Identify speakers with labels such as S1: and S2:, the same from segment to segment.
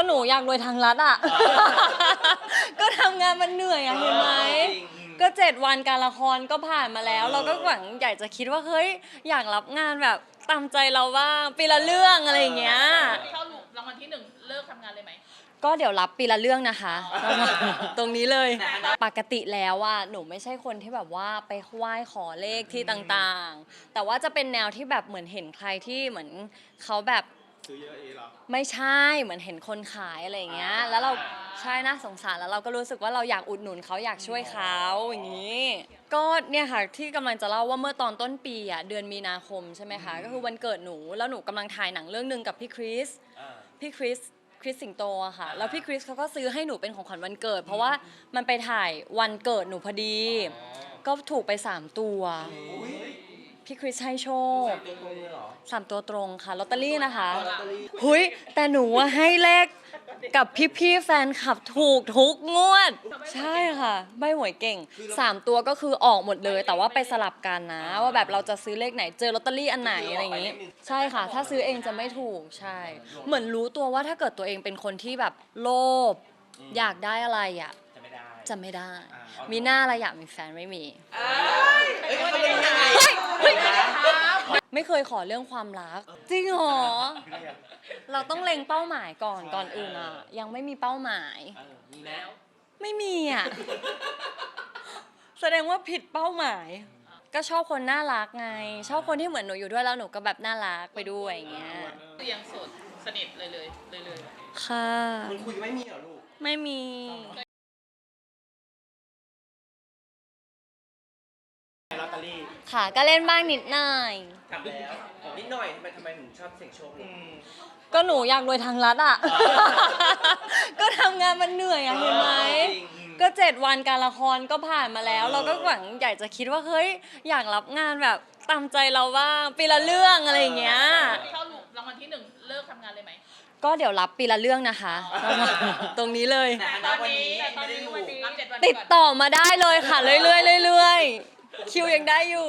S1: หนูอยากรวยทางรัฐอ่ะ ก็ทำงานมันเหนื่อยอะเห็นไหมก็7 วันการละครก็ผ่านมาแล้ว เราก็หวังอยากจะคิดว่าเฮ้ยอยากรับงานแบบตามใจเราบ้างปีละเรื่องอะไรอย่างเงี้ย
S2: เข้ารางวัลที่1เลิกทำงานเลยไหม
S1: ก็เดี๋ยวรับปีละเรื่องนะคะ ตรงนี้เลยปกติแล้วว่าหนูไม่ใช่คนที่แบบว่าไปไหว้ขอเลขที่ต่างๆแต่ว่าจะเป็นแนวที่แบบเหมือนเห็นใครที่เหมือนเขาแบบ
S3: ซื้อเยอะเองเหรอ
S1: ไม่ใช่เหมือนเห็นคนขายอะไรอย่างเงี้ยแล้วเราใช่น่าสงสารแล้วเราก็รู้สึกว่าเราอยากอุดหนุนเขาอยากช่วยเขาอย่างนี้ก็เนี่ยค่ะที่กำลังจะเล่าว่าเมื่อตอนต้นปีอ่ะเดือนมีนาคมใช่ไหมคะก็คือวันเกิดหนูแล้วหนูกำลังถ่ายหนังเรื่องนึงกับพี่คริสสิงโตอะค่ะแล้วพี่คริสเขาก็ซื้อให้หนูเป็นของขวัญวันเกิดเพราะว่ามันไปถ่ายวันเกิดหนูพอดีก็ถูกไป3 ตัวพี่คริสให้โชค3 ตัวตรงค่ะลอตเตอรี่นะคะหุยแต่หนูให้เลขกับพี่แฟนคลับถูกทุกงวดใช่ค่ะใบหวยเก่ง3 ตัวก็คือออกหมดเลยแต่ว่าไปสลับกันนะว่าแบบเราจะซื้อเลขไหนเจอลอตเตอรี่อันไหนอะไรอย่างงี้ใช่ค่ะถ้าซื้อเองจะไม่ถูกใช่เหมือนรู้ตัวว่าถ้าเกิดตัวเองเป็นคนที่แบบโลภอยากได้อะไรอ่ะจะไม่ได้มีหน้าอะไรอยากมีแฟนไม่มีไม่เคยขอเรื่องความรักจริงเหรอเราต้องเล็งเป้าหมายก่อนอื่นอ่ะยังไม่มีเป้าหมาย
S2: มีแล้ว
S1: ไม่มีอ่ะแสดงว่าผิดเป้าหมายก็ชอบคนน่ารักไงชอบคนที่เหมือนหนูอยู่ด้วยแล้วหนูก็แบบน่ารักไปด้วยอย่างเงี้ย
S2: คือยังโสดสนิทเลย
S1: ค่ะ
S3: มันคุยไม่มีเหรอลูก
S1: ไม่มี
S3: ลอตเตอรี่
S1: ค่ะก็เล่นบ้างนิดหน่อย
S3: ทำแล้วนิดหน่อยทำไมถึงชอบเสี่ยงโชคลูก
S1: ก็หนูอยากรวยทางรัฐอ่ะ ก็ทำงานมันเหนื่อยอะเห็นไหมก็7 วันการละครก็ผ่านมาแล้ว เราก็หวังอยากจะคิดว่าเฮ้ยอยากรับงานแบบตามใจเราบ้างปีละเรื่องอะไรอย่างเงี้ย
S2: เข้ารางวัลที่1เลิกทำงานเลยไหม
S1: ก็เดี๋ยวรับปีละเรื่องนะคะ ตรงนี้เลย
S2: ตอนนี้รับ7 วัน
S1: ติดต่อมาได้เลยค่ะเรื่อยๆคิวยังได้อยู่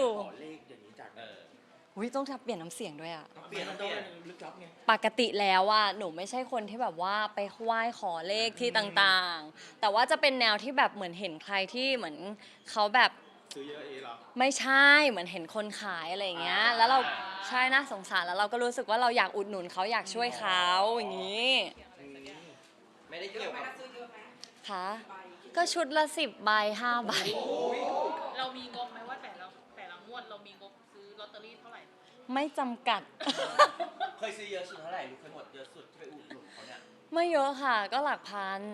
S1: อุ้ยต้องเปลี่ยนน้ำเสียงด้วยอะ
S3: เปลี่ยนลึกลับไง
S1: ปกติแล้วว่าหนูไม่ใช่คนที่แบบว่าไปไหว้ขอเลขที่ต่างๆแต่ว่าจะเป็นแนวที่แบบเหมือนเห็นใครที่เหมือนเขาแบบ
S3: ซื้อเยอะเองเหรอ
S1: ไม่ใช่เหมือนเห็นคนขายอะไรอย่างเงี้ยแล้วเราใช่น่าสงสารแล้วเราก็รู้สึกว่าเราอยากอุดหนุนเขาอยากช่วยเขาอย่างนี้
S3: ไม่ได้เกี่ยวกับ
S1: ค่ะก็ชุดละ10 ใบ5 ใบ
S2: เรามีงบไหมว่าแต่ละงวดเรามีงบซื้อลอตเตอรี่เท่าไหร่
S1: ไม่จำกัด
S3: เคยซื้อเยอะสุดเท่าไหร่ลูกเคยหมดเยอะสุดที่ไปอุดหนุนเขาเนี่ย
S1: ไม่เยอะค่ะก็หลักพัน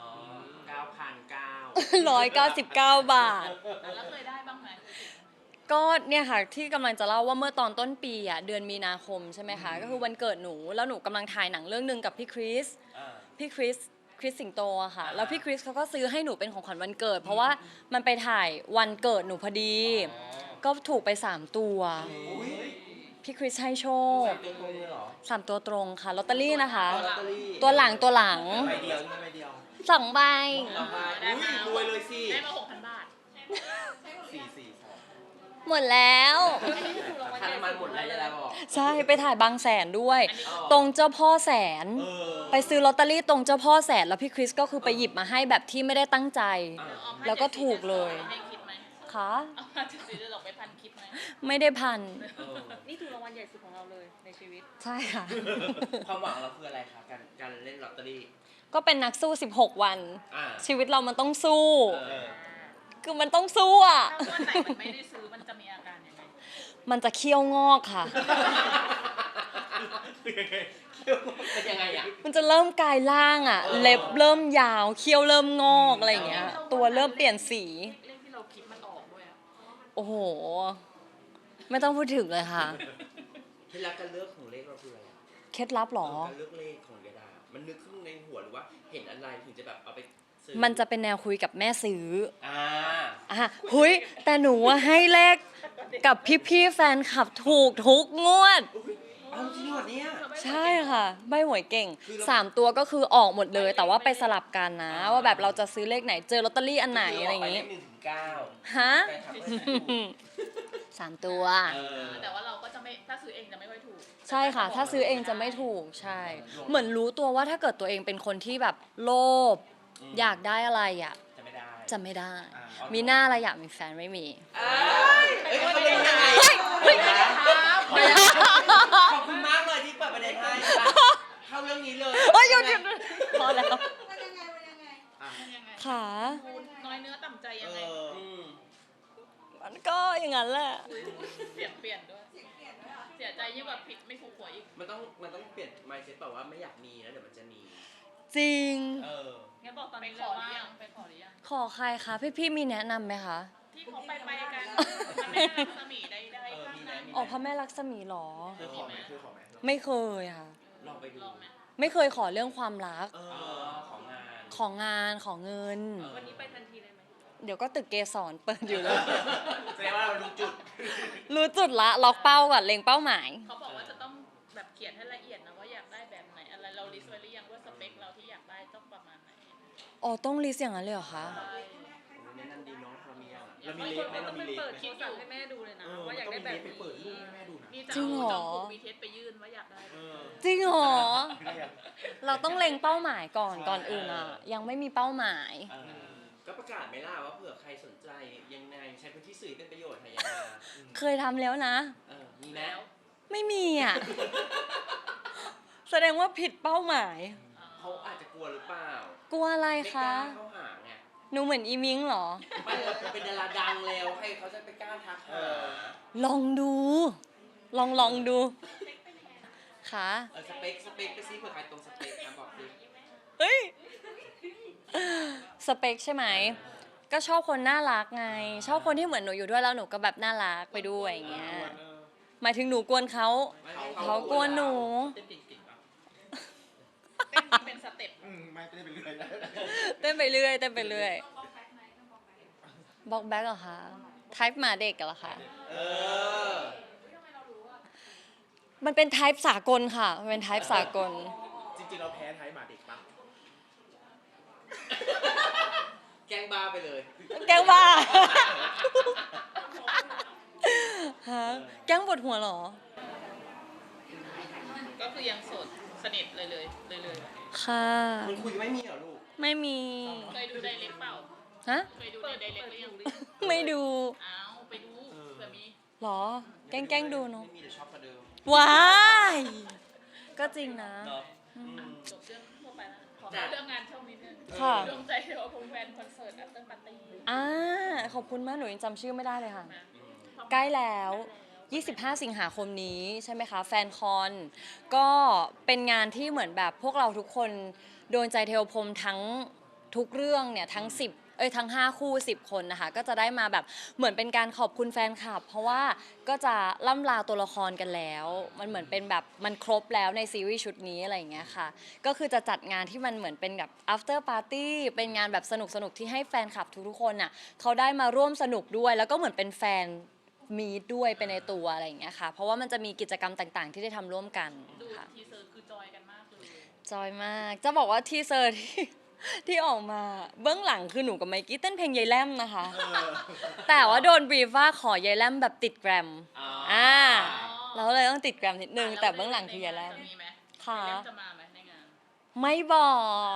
S3: 9,999
S1: บาท
S2: แล้วเคยได้บ้างไหม
S1: ก็เนี่ยค่ะที่กำลังจะเล่าว่าเมื่อตอนต้นปีอ่ะเดือนมีนาคมใช่ไหมคะก็คือวันเกิดหนูแล้วหนูกำลังถ่ายหนังเรื่องนึงกับพี่คริสสิงโตอะค่ะแล้วพี่คริสเขาก็ซื้อให้หนูเป็นของขวัญวันเกิดเพราะว่ามันไปถ่ายวันเกิดหนูพอดีก็ถูกไป3 ตัวพี่คริสให้โชค3 ตัวตรงค่ะลอตเตอรี่นะคะตัวหลัง
S3: ใบเดียวใบเดียว
S1: 2 ใบ
S3: รวยเลยสิ
S2: ได้มา 6,000 บาท
S1: หมดแล้ว
S3: ค่าน้ำมันหมดแล้วจะได้บอก
S1: ใช่ไปถ่ายบางแสนด้วยตรงเจ้าพ่อแสนไปซื้อลอตเตอรี่ตรงเจ้าพ่อแสนแล้วพี่คริสก็คือไปหยิบมาให้แบบที่ไม่ได้ตั้งใจแล้วก็ถูกเลยค่ะ
S2: เราไปพันคิดไหม
S1: ไม่ได้พัน
S2: นี่ถูกรางวัลใหญ่สุดของเราเลยในชีวิต
S1: ใช่ค่ะ
S3: ความหวังเราคืออะไรคะการเล่นลอตเตอรี่
S1: ก็เป็นนักสู้16 วันชีวิตเรามันต้องสู้คือมันต้องสู้อ่ะ
S2: ถ้าวันไหนมันไม่ได้ซื้อมันจะมีอาการยังไง
S1: มันจะเคี้ยวงอกค่ะ
S3: เป็นยังไงอ่ะ
S1: มันจะเริ่มกลายร่างอ่ะเล็บเริ่มยาวเคี้ยวเริ่มงอกอะไรอย่างเงี้ยตัวเริ่มเปลี่ยนสี
S2: เลขที่เราคิดมันออกด้วย
S1: โอ้โหไม่ต้องพูดถึงเลยค่ะ
S3: เคล็ดลับการเลือกของเลขเราคืออะไร
S1: เคล็ดลับหรอ
S3: การเลือกเลขของยาดามันนึกขึ้นในหัวหรือว่าเห็นอะไรถึงจะแบบเอาไป
S1: มันจะเป็นแนวคุยกับแม่ซื้อหุยแต่หนูให้เลขกับพี่แฟนคลับถูกทุกงวด
S3: จริงเหรอเนี่ย
S1: ใช่ค่ะใบหวยเก่ง3 ตัวก็คือออกหมดเลยแต่ว่าไปสลับกันนะว่าแบบเราจะซื้อเลขไหนเจอลอตเตอรี่อันไหนอะไรอย่างงี้ฮะ3 ตัว
S2: แต่ว่าเราก็จะไม่ถ้าซื้อเองจะไม่ค่อยถูก
S1: ใช่ค่ะ ถ้าซื้อเองจะไม่ถูกใช่ เหมือนรู้ตัวว่าถ้าเกิดตัวเองเป็นคนที่แบบโลภอยากได้อะไรอ่ะ
S3: จะไม่ได้
S1: จะไม่ได้
S3: อ่า
S1: มีหน้าอะไรอยากมีแฟนไม่มี
S3: เอ้ยเขาเป็นยังไง
S1: เฮ้ย
S3: ขอบคุณมากเลยที่เปิดประเด็นให้เข้าเรื่องนี้เลย
S1: เฮ้ยหยุดพอแล้ว
S2: มันยังไง
S1: ขา
S2: คุณน้อยเนื้อต่ำใจ
S3: เอ
S2: ยังไง
S3: อ
S1: มันก็อย่างนั้นแหละ
S2: เสียงเปลี่ยนด้วยเสียใจยิ่งกว่าผิดไม่ถูกหวยอีก
S3: มันต้องเปลี่ยน mindset แบบว่าไม่อยากมีแล้วเดี๋ยวมันจะมี
S1: จริง
S3: เออ
S2: งั้นบอกตอนนี้เลยว่าไปขอหรือยัง
S1: ขอใครคะพี่มีแนะนำไหมคะ
S2: ที่เขาไปกันมันไม่รักสมีได้ข้างหน้า
S1: ออกพระแม่ลักษมีหรอ
S3: เคยขอไหม
S1: ไม่เคยค่ะ
S3: ลองไปดู
S2: ลองไหม
S1: ไม่เคยขอเรื่องความรัก
S3: เออ ของงาน
S1: ของงานของเงิน
S2: วันนี้ไปทันทีเลยไหม
S1: เดี๋ยวก็ตึกเกสรเปิดอยู่เลย
S3: แสดงว่าเรารู้จุด
S1: รู้จุดละล็อกเป้าก่อนเล็งเป้าหมาย
S2: เขาบอกว่าจะต้องแบบเขียนให้ละเอียดนะว่าอยากได้แบบไหนอะไรเราลิสต์ไว้หรือยังว่าสเปคเราที่อยากได้ต้องประมาณไหน
S1: อ๋อต้องลิสต์อย่างนั้นเลยเหรอคะ
S3: แนะนำดีเนาะเรามียังอะ
S2: เรามี
S3: ไหมเรามีเลขไหม
S2: คิดอยู่ให้แม่ดูเลยนะว่าอยากได้แบบนี้
S3: เปิดรูปให้แม่ดูนะ
S2: นี่จะ
S1: จริงเหรอ
S2: จองกลุ่มวีเทสไปยื่นว่าอยากได้
S3: เออ
S1: จริงเหรอ เราต้องเล็งเป้าหมายก่อนอื่นอ่ะ ยังไม่มีเป้าหมาย
S3: เออก็ประกาศไหมล่ะว่าเผื่อใครสนใจยังไงใช้พื้นที่สื่อเป็นประโยชน์ค่ะยังไง
S1: เคยทำแล้วนะ
S3: มีไหม
S2: แล้ว
S1: ไม่มีอ่ะ แสดงว่าผิดเป้าหมาย
S3: เขาอาจจะกลัวหรือเปล่าก
S1: ลัวอะไร
S3: ไม่ก
S1: คะ
S3: ล้าเข้าหาไง
S1: หนูเหมือนอีมิงเหรอ
S3: ไม่เป็นดาราดังแล้วใครเขาจะไปกล้าทักหา
S1: ลองดู ลองดูค่ะ
S3: สเปคไปซิเผื่อใครตรงสเปคนะบอกสิ
S1: เฮ้ย สเปคใช่ไหม ก็ชอบคนน่ารักไง ชอบคนที่เหมือนหนูอยู่ด้วยแล้วหนูก็แบบน่ารักไปด้วยอย่างเงี้ย หมายถึงหนูกวนเขา เขากวนหนู
S3: เต้นเก่งๆปะ
S2: เต้นเป็นสเต็ป
S3: ไม่เต้นไปเรื่อยนะ
S1: เต้นไปเรื่อยเต้นไปเรื่อยบล็อกแบ็กเหรอคะไทป์หมาเด็กเหรอคะ
S3: เออ
S1: มันเป็นไทป์สากลค่ะ มันเป็นไทป์สากล
S4: จริงๆเราแพ้ไทยหมาเด็กปะ
S3: แกล้งบ้าไปเลย
S1: แกล้งบ้า ฮะแกล้งปวดหัวเหรอ
S2: ก็คือยังโสดสนิทเลย
S1: ค่ะ
S3: มันคุยไม่มีเหรอลูก
S1: ไม่มี
S2: เคยดูไดเรกเปล่า
S1: ฮะ
S2: เคยดูในไดเรกหรือยัง
S1: ไม่ดู
S2: อ้าวไปดูเผื่อมี
S1: เหรอ แกล้งดูเนาะ
S3: ไม่มีแต่ชอบกว่าเดิม
S1: ว้าย ก็จริงนะ
S3: เนาะ
S2: จบเรื่องทั่วไปแล้วขอเข้าเรื่องงานช่วงนี้นึง
S1: ค่ะ
S2: ดวงใจเทวพรหมแฟนคอนเสิร์ตอัปเตอร์ปาร์ตี้
S1: ขอบคุณมาก หนูยังจำชื่อไม่ได้เลยค่ะ
S2: มา
S1: ใกล้แล้ว 25 สิงหาคมนี้ใช่ไหมคะ แฟนคอน ก็เป็นงานที่เหมือนแบบพวกเราทุกคนโดนใจเทวพรหมทั้งทุกเรื่องเนี่ยทั้งทั้ง 5 คู่ 10 คนนะคะ ก็จะได้มาแบบเหมือนเป็นการขอบคุณแฟนคลับ เพราะว่าก็จะล่ำลาตัวละครกันแล้ว มันเหมือนเป็นแบบมันครบแล้วในซีรีส์ชุดนี้อะไรอย่างเงี้ยค่ะ ก็คือจะจัดงานที่มันเหมือนเป็นแบบ after party เป็นงานแบบสนุกๆที่ให้แฟนคลับทุกๆคนน่ะเขาได้มาร่วมสนุกด้วย แล้วก็เหมือนเป็นแฟนมีดด้วยไปในตัวอะไรอย่างเงี้ยค่ะ เพราะว่ามันจะมีกิจกรรมต่างๆ ที่ได้ทำร่วมกัน
S2: ดู
S1: ค่ะ
S2: ทีเซอร์คือจอยกันมากเลย
S1: จอยมาก จะบอกว่าทีเซอร์ที่ออกมาเบื้องหลังคือหนูกับไมกี้เต้นเพลงยายแลมนะคะ แต่ว่าโดนบรีฟว่าขอยายแลมแบบติดแกรม เราเลยต้องติดแกรมนิดนึง แต่เบื้องหลังคือยายแลม
S2: จะมีไหม
S1: ค่ะ
S2: ยายแลมจะมาไหมในงาน
S1: ไม่บอก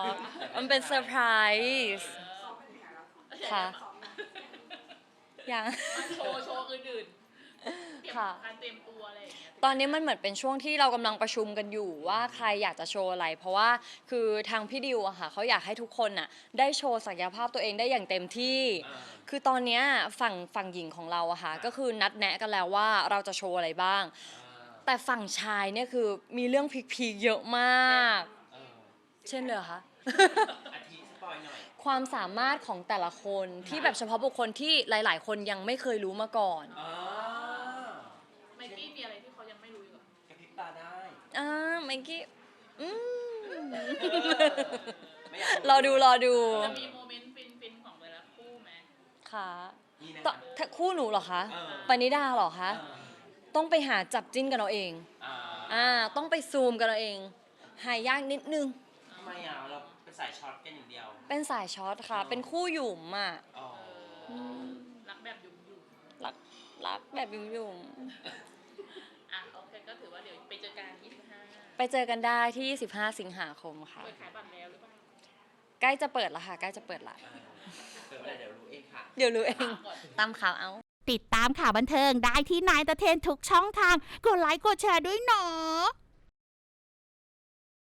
S1: มันเป็นเซอร์ไพรส์ ค่ะ ยัง
S2: โชว์อื่นๆเตรียม
S1: ค่ะ
S2: การเตรียมตัวอะไรอย่างเงี้ย
S1: ตอนนี้มันเหมือนเป็นช่วงที่เรากำลังประชุมกันอยู่ว่าใครอยากจะโชว์อะไร เพราะว่าคือทางพี่ดิวอะค่ะเขาอยากให้ทุกคนน่ะได้โชว์ศักยภาพตัวเองได้อย่างเต็มที่ คือตอนเนี้ยฝั่งหญิงของเราอะค่ะก็คือนัดแนะกันแล้วว่าเราจะโชว์อะไรบ้าง แต่ฝั่งชายเนี่ยคือมีเรื่องพีคๆเยอะมาก เช่นเลยเหรอคะ
S3: อาทิสปอยหน่อย
S1: ความสามารถของแต่ละคนที่แบบเฉพาะบุคคลที่หลาย ๆ คนยังไม่เคยรู้มาก่อน
S2: ไมกี้มีอะไรที่เขายังไม่รู้อยู่
S3: กระพริบตาได้
S1: ไมกี้อืม
S3: ไม่อยาก
S1: รอดู
S2: จะมีโมเมนต์ฟินๆของแต่ละคู่ไหม
S1: ค่ะ
S3: นี่นะ
S1: ถ้าคู่หนูเหรอคะ
S3: เออ
S1: ปณิดาเหรอคะ ต้องไปหาจับจิ้นกันเอาเอง ต้องไปซูมกันเอาเอง หายากนิดนึง
S3: ทำไมเราเป็นสายช็อตกันอย่างเดียว
S1: เป็นสายช็อตค่ะ เป็นคู่หยุ่มอ่ะ
S3: อ๋อ
S2: รักแบบยุ่ง
S1: รักแบบหยุ่ม
S2: ๆอ่ะโอเคก็ถือว่าเดี๋ยวไปเจอกัน25
S1: ไปเจอกันได้ที่ 25 สิงหาคมค่ะ
S2: เปิดขายบัตรแล้วหรือเปล่า
S1: ใกล้จะเปิดแล้วค่ะ ใกล้จะเปิดละ
S3: เดี๋ยวเมื่อไหร่เดี๋ยวรู้เองค่ะ
S1: เดี๋ยวรู้เอง
S2: ก่อน
S1: ตามข่าวเอา
S5: ติดตามข่าวบันเทิงได้ที่นายตะเทนทุกช่องทาง กดไลค์กดแชร์ด้วยเนาะ